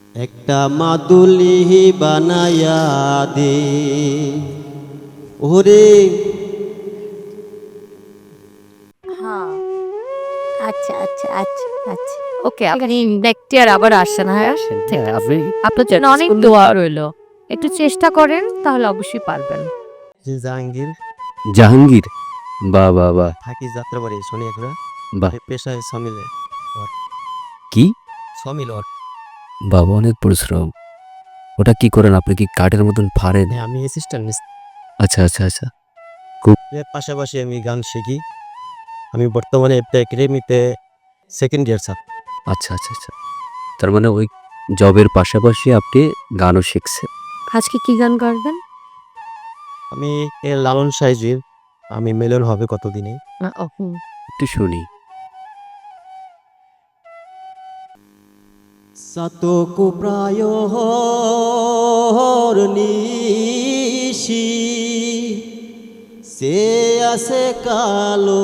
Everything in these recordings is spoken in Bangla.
একটা মাদুলি বানায়া দে ওরে। হ্যাঁ, আচ্ছা আচ্ছা আচ্ছা আচ্ছা ওকে, আপনি নেক্সট ইয়ার আবার আসছেন। হ্যাঁ, ঠিক আছে। আপনি আপনার জন্য অনেক দোয়া রইলো, একটু চেষ্টা করেন তাহলে অবশ্যই পারবেন। যে জাহাঙ্গীর জাহাঙ্গীর, বাহ বাহ বাহ থাকি যাত্রাবাড়ি শনিয়াখুড়া বাহ। পেশায় সমিলে কি সমিল ওর। বাবা, অনেক পরিশ্রম। ওটা কি করেন আপনি? কি কাঠের মতন ফাড়েন? হ্যাঁ, আমি অ্যাসিস্ট্যান্ট। আচ্ছা আচ্ছা আচ্ছা। এর পাশাপাশি আমি গান শিখি। আমি বর্তমানে একটা একাডেমিতে সেকেন্ড ইয়ার ছাত্র। আচ্ছা আচ্ছা আচ্ছা। তার মানে ওই জবের পাশাপাশি আপনি গানও শিখছেন। আজকে কি গান করবেন? আমি এর লালন সাইজির আমি মিলন হবে কতদিনে। একটু শুনি। সাতকু প্রায় নিশি সে আছে কালো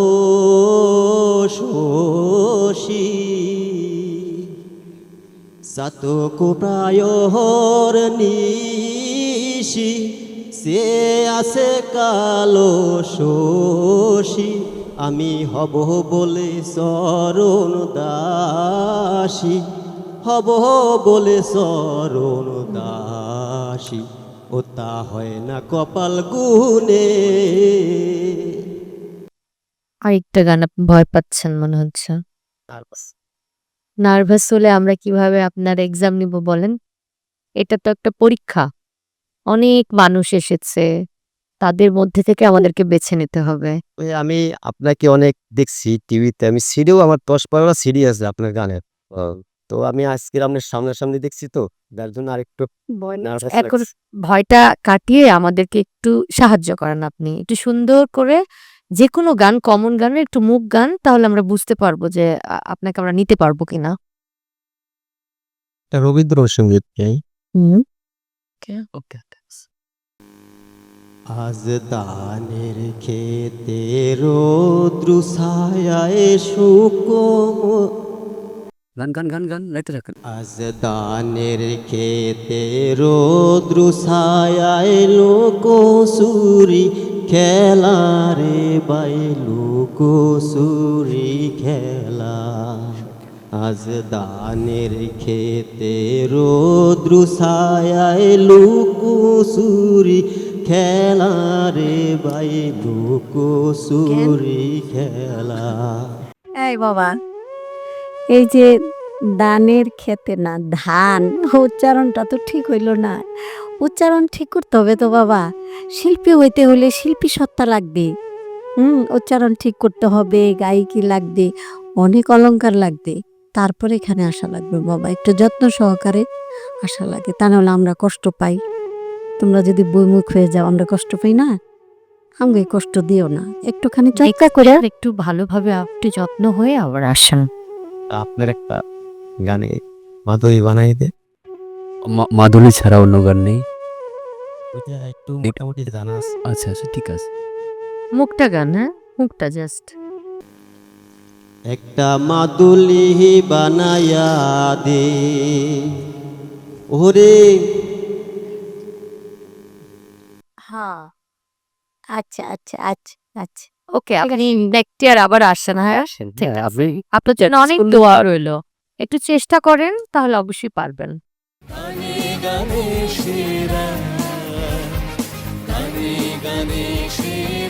শোষী। সাতকু প্রায় নিশি সে আছে কালো শোষী। আমি হব বলে শরণ দাসী, হব বলে শরণ দাসী, ও তা হয় না কপাল গুনে। আরেকটা গান, আপনি ভয় পাচ্ছেন মনে হচ্ছে। নার্ভাস হলে আমরা কিভাবে আপনার এক্সাম নিব বলেন? এটা তো একটা পরীক্ষা, অনেক মানুষ এসেছে, তাদের মধ্যে থেকে আমাদেরকে বেছে নিতে হবে। ওই আমি আপনাকে অনেক দেখছি টিভিতে, আমি সিডিও আমার 10-12টা সিডি আছে আপনার গানের। তো আমি আজকে আপনার সামনাসামনি দেখছি, তো যার জন্য আরেকটু নার্ভাস এখন লাগছে। ভয়টা কাটিয়ে আমাদেরকে একটু সাহায্য করেন, আপনি একটু সুন্দর করে যে কোনো গান, কমন গানের একটু মুখ গান, তাহলে আমরা বুঝতে পারবো যে আপনাকে আমরা নিতে পারবো কিনা। এটা রবীন্দ্রসঙ্গীত গাই। ওকে। আজ দানের খেতে রৌদ্র ছায়ায় শুকম। গান গান গান গান লাইতে রাখেন। আজ দানের খেতে রৌদ্র ছায়ায় লোকসুরি খেলা রে বাই লোকসুরি খেলা। আজ দানের খেতে রৌদ্র ছায়ায় লোকসুরি খেলা রে বাই লোকসুরি খেলা। এই বাবা, এই যে দানের খেতে না ধান, উচ্চারণটা তো ঠিক হইল না। উচ্চারণ ঠিক করতে হবে তো বাবা, শিল্পী হইতে হলে শিল্পী সত্তা লাগবে। উচ্চারণ ঠিক করতে হবে, গায়িকি লাগবে, অনেক অলংকার লাগবে, তারপরে এখানে আসা লাগবে বাবা। একটু যত্ন সহকারে আসা লাগে, তা নাহলে আমরা কষ্ট পাই। তোমরা যদি বইমুখ হয়ে যাও আমরা কষ্ট পাই না, আমাকে কষ্ট দিও না, একটুখানি চর্চা করে। একটু ভালোভাবে একটু যত্ন হয়ে আবার আসেন। আপনার একটা গানে মাধুরী বানাই দে। মাদুলি ছাড়া অন্য গান নেই? ওইটা একটু মোটামুটি জানা আছে। আচ্ছা আচ্ছা, ঠিক আছে। মুখটা গান, হ্যাঁ মুখটা জাস্ট। একটা মাদুলি বানায়া দে ওরে। হ্যাঁ, আচ্ছা আচ্ছা আচ্ছা আচ্ছা ওকে, আপনি নেক্সট ইয়ার আবার আসছেন। হ্যাঁ, ঠিক আছে। আপনি আপনার জন্য অনেক দোয়া রইলো, একটু চেষ্টা করেন তাহলে অবশ্যই পারবেন। গানে গানে সেরা, গানে গানে সেরা।